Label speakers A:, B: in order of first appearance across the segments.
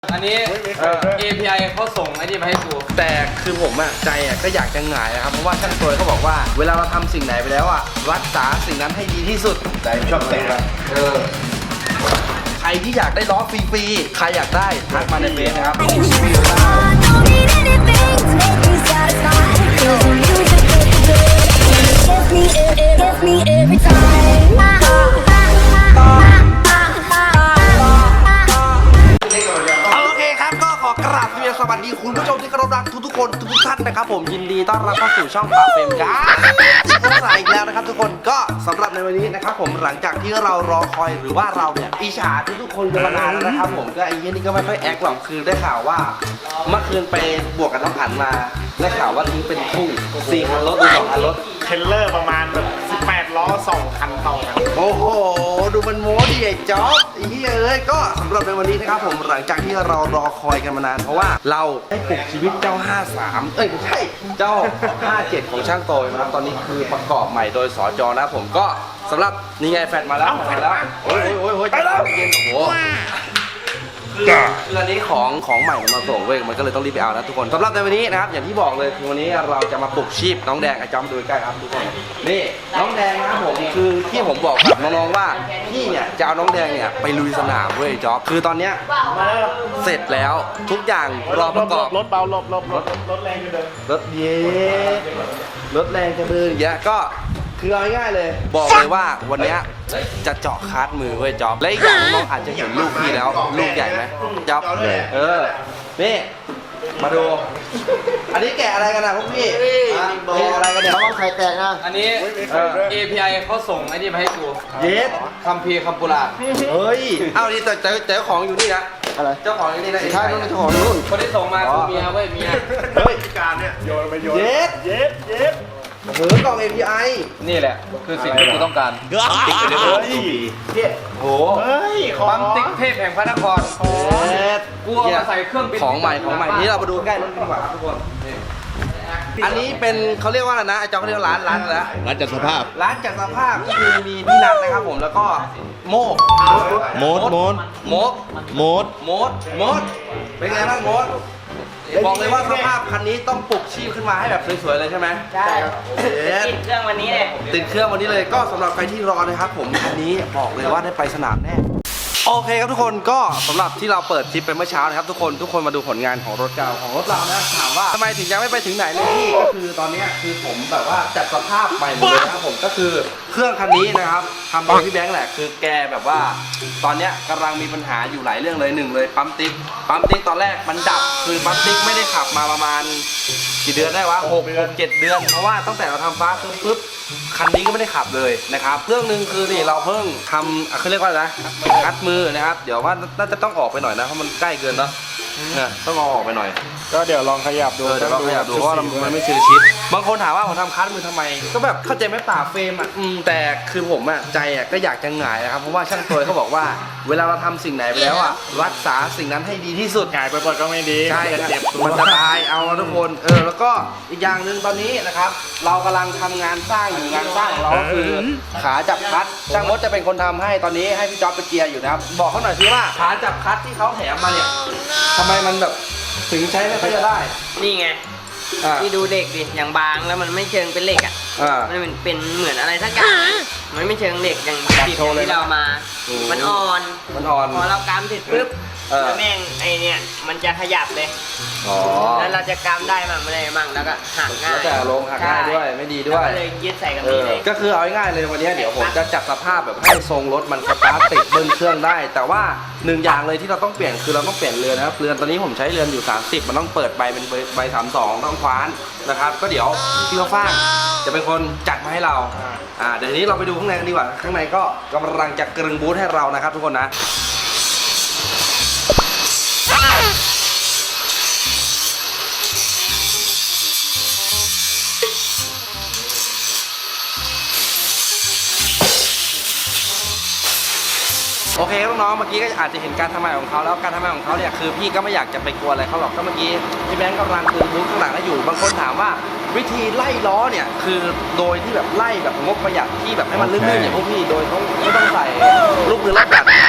A: อันนี้API เขาส่งไอ้นี่มาให้กู
B: แต่คือผมอะใจอะก็อยากจะหงายนะครับเพราะว่าช่างตัวเขาบอกว่าเวลาเราทำสิ่งไหนไปแล้วอะรักษาสิ่งนั้นให้ดีที่สุดใจชอบเตะใครที่อยากได้ล้อฟรีๆใครอยากได้ทักมาในเฟซนะครับสวัสดีคุณผู้ชมที่เคารพรักทุกคนทุกท่านนะครับผมยินดีต้อนรับเข้าสู่ช่องปากเฟรมกันต้องใส่อีกแล้วนะครับทุกคนก็สำหรับในวันนี้นะครับผมหลังจากที่เรารอคอยหรือว่าเราเนี่ยอิจฉาทุกคนกันมานานแล้วนะครับผมก็ไอ้ยี่นี่ก็ไม่ค่อยแอคหรอกคือได้ข่าวว่าเมื่อคืนไปบวกกับน้องอั๋นมาได้ข่าวว่าทิ้งเป็นคู่4 คันรถดู2 คันรถ
C: เทรลเลอร์ประมาณแบบ18 ล้อ 2 คันต่อกัน
B: โอ้โหดูมันโม้ดิไอ้จ๊อบไอ้เฮ้ยก็สำหรับในวันนี้นะครับผมหลังจากที่เรารอคอยกันมานานเพราะว่าเราได้ปลุกชีวิตเจ้า53ไม่ใช่เจ้า57ของช่างโตยนะครับตอนนี้คือประกอบใหม่โดยสจนะผมก็สำหรับนี่ไงแฟดมาแล้วโอ้ยไปแล้วเย็นโอ้โหคืออันนี้ของใหม่มาส่งเว้ยมันก็เลยต้องรีบไปเอานะทุกคนสำหรับในวันนี้นะครับอย่างที่บอกเลยคือวันนี้เราจะมาปลุกชีพน้องแดงไอ้จอมดูใกล้ครับทุกคนนี่น้องแดงนะครับผมคือที่ผมบอกกับน้องๆว่าพี่เนี่ยจะเอาน้องแดงเนี่ยไปลุยสนามเว้ยจ๊อบคือตอนเนี้ยเสร็จแล้วทุกอย่างรอประกอบ
C: รถเบารถแรงจะเดิน
B: รถเย้รถแรงจะเดินอย่างเงี้ยก็คือเอาง่ายๆเลยบอกเลยว่าวันนี้จะเจาะคาร์ดมือเว้ยจ๊อบและอีกอย่างน้องอาจจะเห็นลูกพี่แล้วลูกใหญ่ไหมจ๊อบนี่มาดูอันนี้แกะอะไรกันนะพวกพี่แกะอะไรกันเนี่ย
D: ต้องไข่แตกนะ
A: อันนี้API เขาส่งไอ้นี่มาให้กู
B: เย็ด
A: คัมภีร์คัมปุระ
B: เฮ้ยเอาดิแต่เจ้าของอยู่นี่นะ
D: อะไร
B: เจ้าของอยู่นี่นะ
D: ใช่ต้องเจ้าของนู่น
A: คนที่ส่งมาคือเมียเว้ยเมีย
B: เฮ้ย
C: การเนี่ยโยนไปโยน
B: เย็ดโอ้โหกล่อง API
A: นี่แหละคือสิ่งที่กูต้องการ
B: ติ๊กไปเลยพี่โอ้โห
A: ปั๊มติ๊กเทพแห่งพระนครกูเอามาใส่เครื่องบิน
B: ของใหม่นี่เรามาดูใกล้รถดีกว่าครับทุกคนอันนี้เป็นเขาเรียกว่าอะไรนะไอ้เจ้าเขาเรียกร้านอะไร
D: ร้านจัดสภาพ
B: ร้านจัดสภาพก็คือมีพี่นัทนะครับผมแล้วก็โมดเป็นไงบ้างโมดบอกเลยว่าสภาพคันนี้ต้องปลุกชีพขึ้นมาให้แบบสวยๆเลยใช่ไหม
E: ใช่ติดเครื่องวันนี้เลย
B: ติดเครื่องวันนี้เลยก็สำหรับใครที่รอนะครับผมคันนี้บอกเลยว่าได้ไปสนามแน่โอเคครับทุกคนก็สำหรับที่เราเปิดคลิปไปเมื่อเช้านะครับทุกคนมาดูผลงานของรถเก่าของรถเรานะถามว่าทำไมถึงยังไม่ไปถึงไหนเลยพี่ก็คือตอนนี้คือผมแบบว่าจัดสภาพใหม่หมดเลยนะครับผมก็คือเครื่องคันนี้นะครับทำโดยพี่แบงค์แหละคือแกแบบว่าตอนนี้กำลังมีปัญหาอยู่หลายเรื่องเลย1เลยปั๊มติ๊กตอนแรกมันดับคือปั๊มติ๊กไม่ได้ขับมาประมาณกี่เดือนได้วะ6-7 เดือนเพราะว่าตั้งแต่เราทำฟ้าปุ๊บคันนี้ก็ไม่ได้ขับเลยนะครับเครื่องนึงคือนี่เราเพิ่งทำเขาเรียกว่าอะไรนะคัดมือนะครับเดี๋ยวว่าน่าจะต้องออกไปหน่อยนะเพราะมันใกล้เกินเนาะต้องเอาออกไปหน่อย
C: ก็เดี๋ยวลองขยับดู
B: เดี๋ยวลองขยับดูเพราะว่ามันไม่ชินชิดบางคนถามว่าผมทำคัดมือทำไมก็แบบเข้าใจไหมป่าเฟรมอ่ะแต่คือผมอ่ะใจอ่ะก็อยากจะหงายนะครับเพราะว่าช่างตัวเขาบอกว่าเวลาเราทำสิ่งไหนไปแล้วอ่ะรักษาสิ่งนั้นให้ดีที่สุด
C: หงายไปก็ไม่ดี
B: ใช่เจ็บมันจะตายเอาทุกคนแล้วก็อีกอย่างหนึ่งตอนนี้นะครับเรากำลังทำงานสร้างอยู่งานสร้างของเราก็คือขาจับคัดช่างมดจะเป็นคนทำให้ตอนนี้ให้พี่จ๊อบไปเกียร์อยู่นะครับบอกเขาหน่อยสิว่าขาจับคัดที่เขาแถมมาเนี่ยทำไมมันแบบถึงใช้ไม่ค่อยจะได้
E: นี่ไงที่ดูเด็กดิอย่างบางแล้วมันไม่เชิงเป็นเหล็กอ่ะมันเป็นเหมือนอะไรสักอย่างมันไม่เชิงเหล็กอย่างติดที่เรามามันอ่อนพอเรากำเสร็จปุ๊บแล้วแม่งไอเนี่ยมันจะขยับเลยแล้วเราจะกำได้มั่งไม่ได้มั่งแล้วก็หักง่าย
B: แต่ลงหักง่ายด้วยไม่ดีด้วย
E: เลยยึดใส่กันนี่เลย
B: ก็คือเอาง่ายๆเลยวันนี้เดี๋ยวผมจะจัดสภาพแบบให้ทรงรถมันสตาร์ทติดเบิ้ลเครื่องได้แต่ว่า1อย่างเลยที่เราต้องเปลี่ยนคือเราต้องเปลี่ยนเรือนนะครับเรือนตอนนี้ผมใช้เรือนอยู่30มันต้องเปิดใบเป็นใบ32ต้องคว้านนะครับก็เดี๋ยวพี่เขาฟ้างจะเป็นคนจัดมาให้เราเดี๋ยวนี้เราไปดูข้างในกันดีกว่าข้างในก็กำลังจะกรึงบูธให้เรานะครับทุกคนนะโอเคน้องๆเมื่อกี้ก็อาจจะเห็นการทำงานของเขาแล้วการทำงานของเขาเนี่ยคือพี่ก็ไม่อยากจะไปกลัวอะไรเขาหรอกก็เมื่อกี้พี่แบงค์กำลังคือบูธข้างหลังแล้วอยู่บางคนถามว่าวิธีไล่ล้อเนี่ยคือโดยที่แบบไล่แบบงบประหยัดที่แบบให้มันลื่นๆอย่างพวกพี่โดยเขาไม่ต้องใส่ลูกมือรอบกัด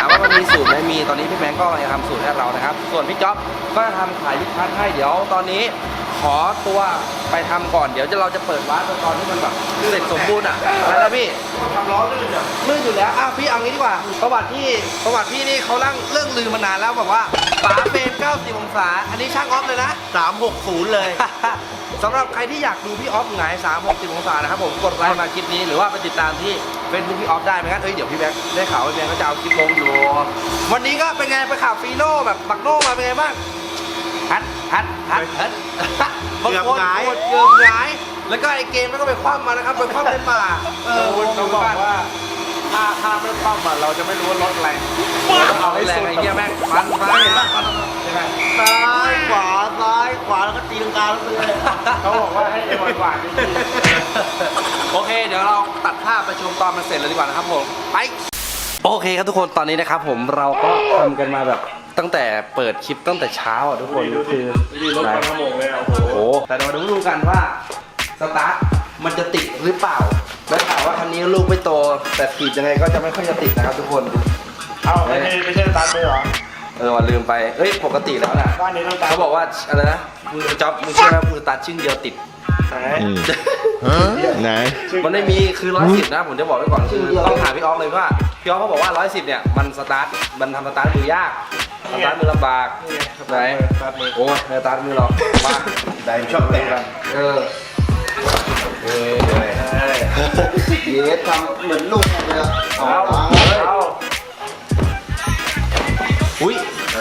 B: ามว่ามันมีสูตรไหมมีตอนนี้พี่แบงก์ก็กำลังจะทำสูตรให้เรานะครับส่วนพี่จ๊อบก็จะทำขายลูกค้าให้เดี๋ยวตอนนี้ขอตัวไปทำก่อนเดี๋ยวเราจะเปิดวาร์ปตอนที่มันแบบเสร็จสมบูรณ์อะไรนะพี่ทำล้อลื่นอยู่แล้วพี่เอางี้ดีกว่าประวัติพี่นี่เขาเรื่องลืมมานานแล้วบอกว่าฝาเฟรม90องศาอันนี้ช่างออฟเลยนะ360เลย สำหรับใครที่อยากดูพี่ออฟหงาย360องศานะครับผมกดไลค์มาคลิปนี้หรือว่าไปติดตามที่เฟซบุ๊กพี่ออฟได้ไหมงั้นเดี๋ยวพี่แบงค์ได้ข่าวว่าพี่แบงค์ก็จะเอาคลิปลงอยู่วันนี้ก็เป็นไงไปขับฟีโน่แบบบักโน่มาเป็นไงบ้างฮัดบางคนเกือบหงายแล้วก็ไอเกมก็ไปคว่ำมานะครับไปคว่ำในป่า
C: เขาบอกว่าถ้าไม่คว่ำเราจะไม่รู้ว่ารถอะไร
B: เอาให้แรงไอ้เงี้ยแม่งฟันเห็นป่ะยังไง
D: ซ้ายขวาแล้วก็ตีลังกาลงไปเลย
C: เขาบอกว่าให้หวานๆนิดนึง
B: โอเคเดี๋ยวเราตัดภาพไปชมตอนมันเสร็จเลยดีกว่านะครับผมไปโอเคครับทุกคนตอนนี้นะครับผมเราก็ทำกันมาแบบตั้งแต่เปิดคลิปตั้งแต่เช้าทุกคนคือ
C: รถมันขโมงเลยโอ้โห
B: แต่เราดูกันว่าสตาร์ทมันจะติดหรือเปล่าได้ข่าวว่าคันนี้ลูกไม่โตแต่ถีบยังไงก็จะไม่ค่อยจะติดนะครับทุกคน
C: เอาไม่ใช่ตันเลยเหรอ
B: วันลืมไปปกติแล้วนะ
C: บ้านนี้ต้องตัน
B: เขาบอกว่าอะไรนะมือจ๊อบมือเชื่อไหมมือสตาร์ทชึ่งเดียวติด
C: ไหน
D: ไหน
B: มันไม่มีคือ110นะผมจะบอกไว้ก่อนคือต้องถามพี่ออฟเลยว่าพี่ออฟเขาบอกว่า110เนี่ยมันสตาร์ทมันทำสตาร์ทมือยากสตาร์ทมือลำบากไหนโอ้ยสตาร์ทมือเรามาได้ชอบเตะกัน
D: เยสทำเหมือนลูกเลยอะ
C: เอา
B: อุ้ย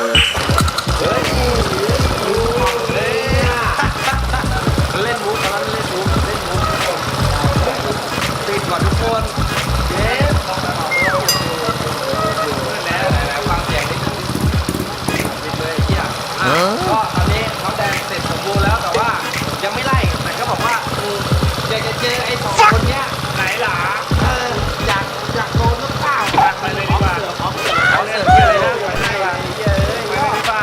B: เล่นมุกกันเล่นมุกติดก่อนทุกคนเย้ฟังเสียงนิดนึงติดเลยเฮียก็ตอนนี้น้องแดงเสร็จสมบูรณ์แล้วแต่ว่ายังไม่ไล่แต่ก็บอกว่าอยากจะเจอไอ้2คนเนี้ย
C: ไหนหล่ะ
B: อยากโดนหรือเปล่า
C: ไปเลยดีกว่า
B: เขาเสิร์ฟเลยนะไปเลยดีกว่า
C: ไปเลยดีกว่า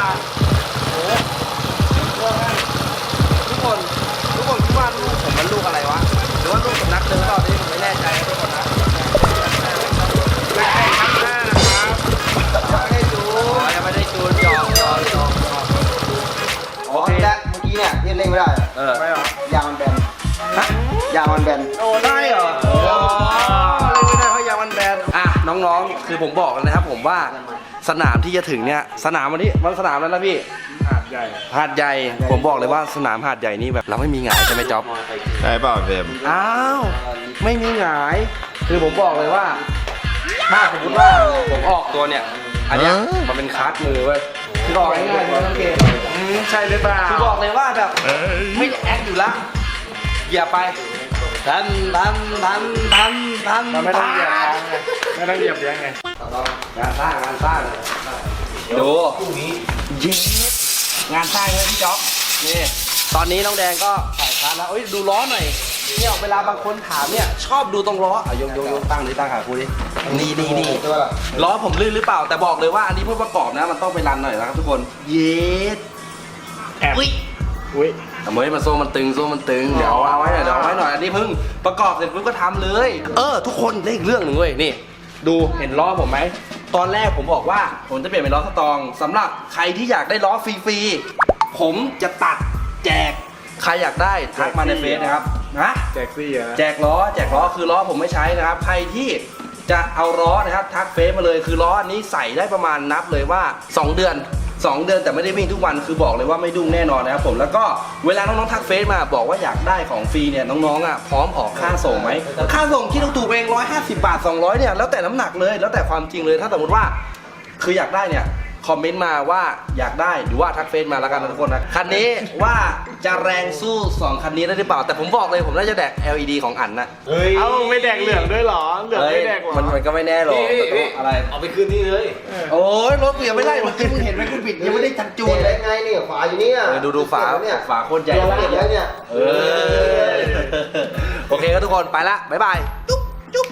B: ทุกคนคิดว่าลูกผมมันลูกอะไรวะหรือว่าลูกสำนักเดิมเปล่านี่ผมไม่แน่ใจนะทุกคนนะ
C: ไม่ใช่ข้างหน้านะครับ
B: ยังไม่ได้จูนหยอกโอเค
D: และเมื่อกี้เนี่ยที่เล่นไม่ได้
C: ไม่หรอย
D: างมันแบนยางมันแบน
B: โอ้ได้เหรอเล่นไม่ได้เพราะยางมันแบนน้องๆคือผมบอกกันนะครับผมว่าสนามที่จะถึงเนี่ยสนามวันนี้วันสนามแล้วนะพี่
C: หาดใหญ่
B: หาดใหญ่ผมบอกเลยว่าสนามหาดใหญ่นี่แบบเราไม่มีหงายใช่ไหมจ๊อบ
D: ใช่เปล่าเฟรม
B: อ้าวไม่มีหงายคือผมบอกเลยว่าถ้าสมมติว่าผมออกตัวเนี่ยอันเนี้ยมันเป็นคาร์ดมือเว้ยคือบอกง่ายๆเลยน้องเกม
C: ใช่หรือเปล่า
B: คือบอกเลยว่าแบบไม่แอคอยู่ละอย่าไปทำ
C: เราไม่ต้องเหยียบทางไงไม่ต้องเหยียบยังไง
B: งานสร้างดูเย็ดงานสร้างเลยพี่จ๊อบนี่ตอนนี้น้องแดงก็ใส่คาร์ดแล้วดูล้อหน่อยเนี่ยเวลาบางคนถามเนี่ยชอบดูตรงล้อยกตั้งขาคูดินี่ล้อผมลื่นหรือเปล่าแต่บอกเลยว่าอันนี้เพื่อประกอบนะมันต้องไปรันหน่อยนะครับทุกคนเย็ด
C: แอบอุ้ย
B: แต่เมื่อมันโซ่มันตึงเดี๋ยวเอาไว้หน่อยอันนี้เพิ่งประกอบเสร็จปุ๊บก็ทำเลยทุกคนได้อีกเรื่องหนึ่งเว้ยนี่ดูเห็นล้อผมไหมตอนแรกผมบอกว่าผมจะเปลี่ยนเป็นล้อสตองสำหรับใครที่อยากได้ล้อฟรีๆผมจะตัดแจกใครอยากได้ทักมาในเฟซนะครับ
C: แจกซี่อะ
B: แจกล้อคือล้อผมไม่ใช้นะครับใครที่จะเอาล้อนะครับทักเฟซมาเลยคือล้ออันนี้ใส่ได้ประมาณนับเลยว่า2 เดือนแต่ไม่ได้วิ่งทุกวันคือบอกเลยว่าไม่ดุ้งแน่นอนนะครับผมแล้วก็เวลาน้องๆทักเฟซมาบอกว่าอยากได้ของฟรีเนี่ยน้องๆพร้อมออกค่าส่งไหมค่าส่งคิดถูกๆเอง150 บาท200เนี่ยแล้วแต่น้ำหนักเลยแล้วแต่ความจริงเลยถ้าสมมติว่าคืออยากได้เนี่ยคอมเมนต์มาว่าอยากได้หรือว่าทักเฟซมาแล้วกันนะทุกคนนะคันนี้ว่าจะแรงสู้2คันนี้ได้หรือเปล่าแต่ผมบอกเลยผมน่าจะแดก LED ของอันนะ
C: เอ้าไม่แดกเหลืองด้วยหรอเหลืองไม่แดกหรอ
B: มันก็ไม่แน่หรอกอะไร
A: เอาไปคืนนี่เลย
B: โอ้ยรถเปลี่ยนไม่ได้เมื่อกี้มึงเห็นไหมคุณบิดยังไม่ได้จัดจูน
D: ได้ไงเนี่ยฝาอยู่นี่
B: ดูฝาโคตรใหญ่
D: เปลี่ยนแล้วเนี่ย
B: โอเคครับทุกคนไปละบ๊ายบาย